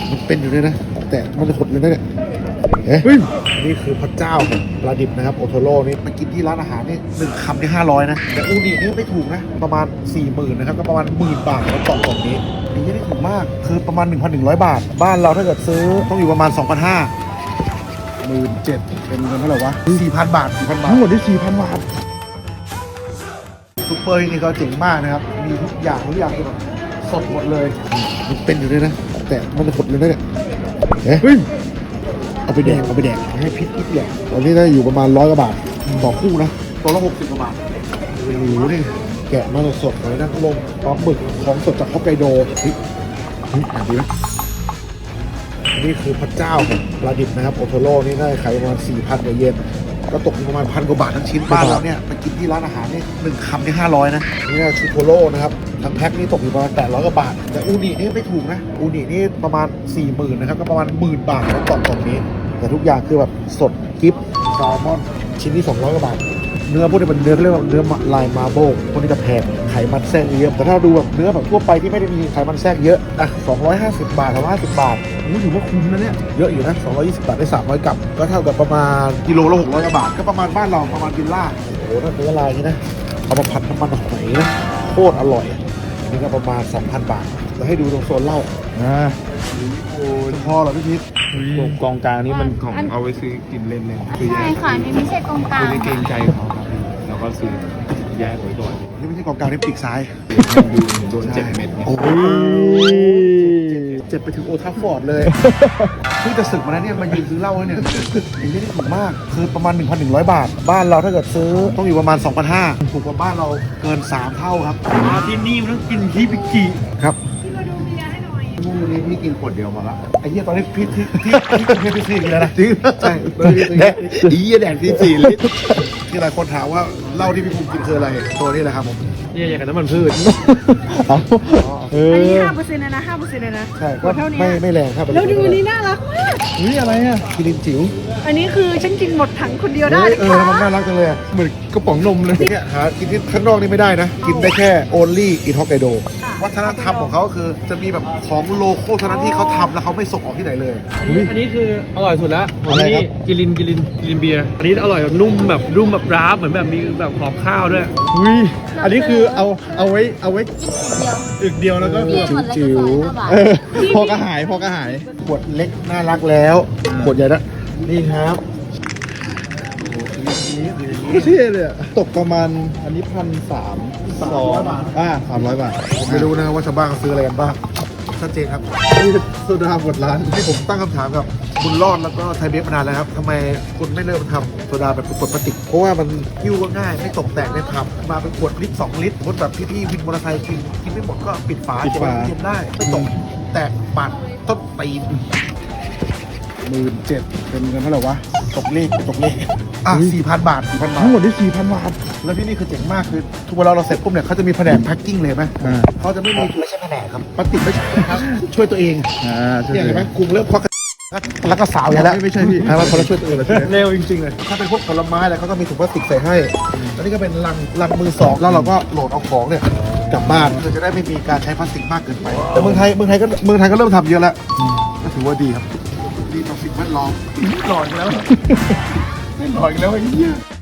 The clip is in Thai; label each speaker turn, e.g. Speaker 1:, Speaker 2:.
Speaker 1: มันเป็นอยู่เลยนะแต่มันจะขดเลยนะเนี่ยนี่คือพระเจ้าของปลาดิบนะครับโอโทโร่นี่ไปกินที่ร้านอาหารนี่1 คำที่500นะแต่อูนินี่ไม่ถูกนะประมาณ 40,000นะครับก็ประมาณ10,000 บาทแล้วกล่องนี้นี่ไม่ได้ถูกมากคือประมาณ 1,100 บาทบ้านเราถ้าเกิดซื้อต้องอยู่ประมาณ 2,500 17,000เป็นเงินเท่าไหร่วะ 4,000 บาท 4,000 บาททั้งหมดที่ 4,000 บาทซุปเปอร์นี่ก็เจ๋งมากนะครับมีทุกอย่างคือแบบสดหมดเลยมันเป็นอยู่เลยนะแต่มันจะขดเลยนะเนี่ยเอาไปแดกให้พิษแหละตอนนี้ได้อยู่ประมาณ100 กว่าบาทต่อคู่นะตัวละ60 กว่าบาทโอ้โหนี่แกะมาสดๆเลยนะลงปลาหมึกของสดจากฮอกไกโดอ่านดีไหมนี่คือพระเจ้าของปลาดิบนะครับโอโทโร่นี่ได้ขายประมาณ 4,000 กว่าเยนก็ตกประมาณ1,000 กว่าบาททั้งชิ้นบ้านเราเนี่ยไปกินที่ร้านอาหารนี่1 คำที่500นะนี่ชูโทโร่นะครับทั้งแพ็คนี่ตกอยู่ประมาณ800 กว่าบาทแต่อูนินี่ไม่ถูกนะอูนินี่ประมาณ 40,000นะครับก็ประมาณ10,000 บาทแล้วกล่องนี้แต่ทุกอย่างคือแบบสดกิฟต์แซลมอนชิ้นที่200 กว่าบาทเนื้อพวกนี้เป็นเนื้อเรียกว่าเนื้อลายมาร์เบิลพวกนี้จะแพงไขมันแทรกเยอะแต่ถ้าดูแบบเนื้อแบบทั่วไปที่ไม่ได้มีไขมันแทรกเยอะ250 บาท250 บาทนี่ถือว่าคุ้มนะเนี่ยเยอะอยู่นะ220 บาทได้300 กรัมก็เท่ากับประมาณกิโลละ600 กว่าบาทก็ประมาณบ้านเราประมาณกินล่าโอ้โหนั่นเนื้อลายนี่นะเอามาผัดน้ำมันหอยนะโคตรอร่อยนี่ก็ประมาณ 2,000 บาทแล้วให้ดูตรงโซนเหล้าโอ้ยพอเหรอพี่พิษ
Speaker 2: กองกลางนี้มันของเอาไว้ซื้อกินเล่นเลยคือ
Speaker 3: ใช่ค่ะนี่ไม่ใช่กองกลาง
Speaker 2: ไม่เกรงใจเขาครับแล้วก็ซื้อแยกไว้ก่อน
Speaker 1: นี่ไม่ใช่กองกลางนี่ปีกซ้าย
Speaker 2: ดูโดน7 เม็ดเนี่ย
Speaker 1: โอ้ยเจ็บไปถึงโอทัฟฟอร์ดเลยเพิ่งจะศึกมาแล้วเนี่ยมายืนซื้อเหล้าเนี่ยนี่ไม่ได้ถูกมากคือประมาณ 1,100 บาทบ้านเราถ้าเกิดซื้อต้องอยู่ประมาณ 2,500ถูกกว่าบ้านเราเกิน3 เท่าครับที่นี่มันต้องกินที่ปิกิครับนู่นนี่พี่กินขวดเดียวมาละไอ้เหี้ยตอนนี้พี่กินแล้วนะจริงใช่แดกที่4 ลิตรที่หลายคนถามว่าเหล้าที่พี่ภูมิกินคืออะไรตัวนี้แหละครับผม
Speaker 2: นี่อย่างกับน้ำมันพืช
Speaker 3: อันนี้5%นะ5%นะ
Speaker 1: ใช่ก็ไม่แรงครับ
Speaker 3: แล้วดูอันนี้น่ารักมาก
Speaker 1: อะไรอ่ะกินจิ๋ว
Speaker 3: อันนี้คือฉันกินหมดถังคนเดียวได้
Speaker 1: มันน่ารักจังเลยเหมือนกระป๋องนมเลยเนี่ยหากินที่ข้างนอกนี่ไม่ได้นะกินได้แค่ only in Hokkaido วัฒนธรรมของเขาคือจะมีแบบของโลโก้เท่านั้นที่เขาทำแล้วเขาไม่ส่งออกที่ไหนเลย
Speaker 2: อันนี้คืออร่อยสุดแล้วอันนี้กิลินเบียร์อันนี้อร่อยแบบนุ่มแบบร้าเหมือนแบบมีแบบหอมข้าวด้วย
Speaker 4: อันนี้คือเอาไว้อึกเดียวแล้วก็
Speaker 1: จิ๋ว
Speaker 4: พอกระหาย
Speaker 1: ขวดเล็กน่ารักแล้วขวดใหญ่นะนี่ครับ
Speaker 4: เท่เลยตกประมาณอันนี้1,300 บาท300 บาท
Speaker 1: ผมไม่รู้นะว่าชาวบ้านเขาซื้ออะไรกันบ้างชัดเจนครับ
Speaker 4: นี่โซดาหมดร้าน
Speaker 1: ที่ผมตั้งคำถามกับคุณรอดแล้วก็ไทยเบฟมานานแล้วครับทำไมคุณไม่เริ่มทำโซดาแบบขวดพลาสติกเพราะว่ามันหิ้วก็ง่ายไม่ตกแตกในผับมาเป็นขวดลิตร2 ลิตรรถแบบพี่วินมอเตอร์ไซค์กินไม่หมดก็ปิดฝาเก็บไว้เย็นได้ไม่ตกแตกปาดต้นตีน17,000เป็นเงินเท่าไหร่วะตกเลข4,000 บาท
Speaker 4: ทั้งหมดที่ 4,000 บาท
Speaker 1: แล้วที่นี่คือเจ๋งมากคือทุกเวลาเราเสร็จปุ๊บเนี่ยเขาจะมีแผนกแพ็คกิ้งเลยไหมเขาจะไม่ใช่แผนกครับปฏิไม่ใช่ครับช่วยตัวเองเนี่ยเห็นไหมกลุ่มเริ่มควักแล้วก็สาวอย่างแล้ว
Speaker 4: ไม่ใช่พี่
Speaker 1: พอเราช่วยตัวเอง
Speaker 4: เร็วจริงๆเลย
Speaker 1: ถ้าเป็นพวกผลไม้อะไรเขาก็มีถุงพลาสติกใส่ให้แล้วนี่ก็เป็นลังมือ 2แล้วเราก็โหลดเอาของเนี่ยกลับบ้านเราจะได้ไม่มีการใช้พลาสติกมากเกินไปแต่เมืองไทยก็เริ่มทำเยอะแล้วก็ถือว่าดีครับดีต่อสิ่งแวดล้อม
Speaker 4: หลอนแล้วไอ้เหี้ย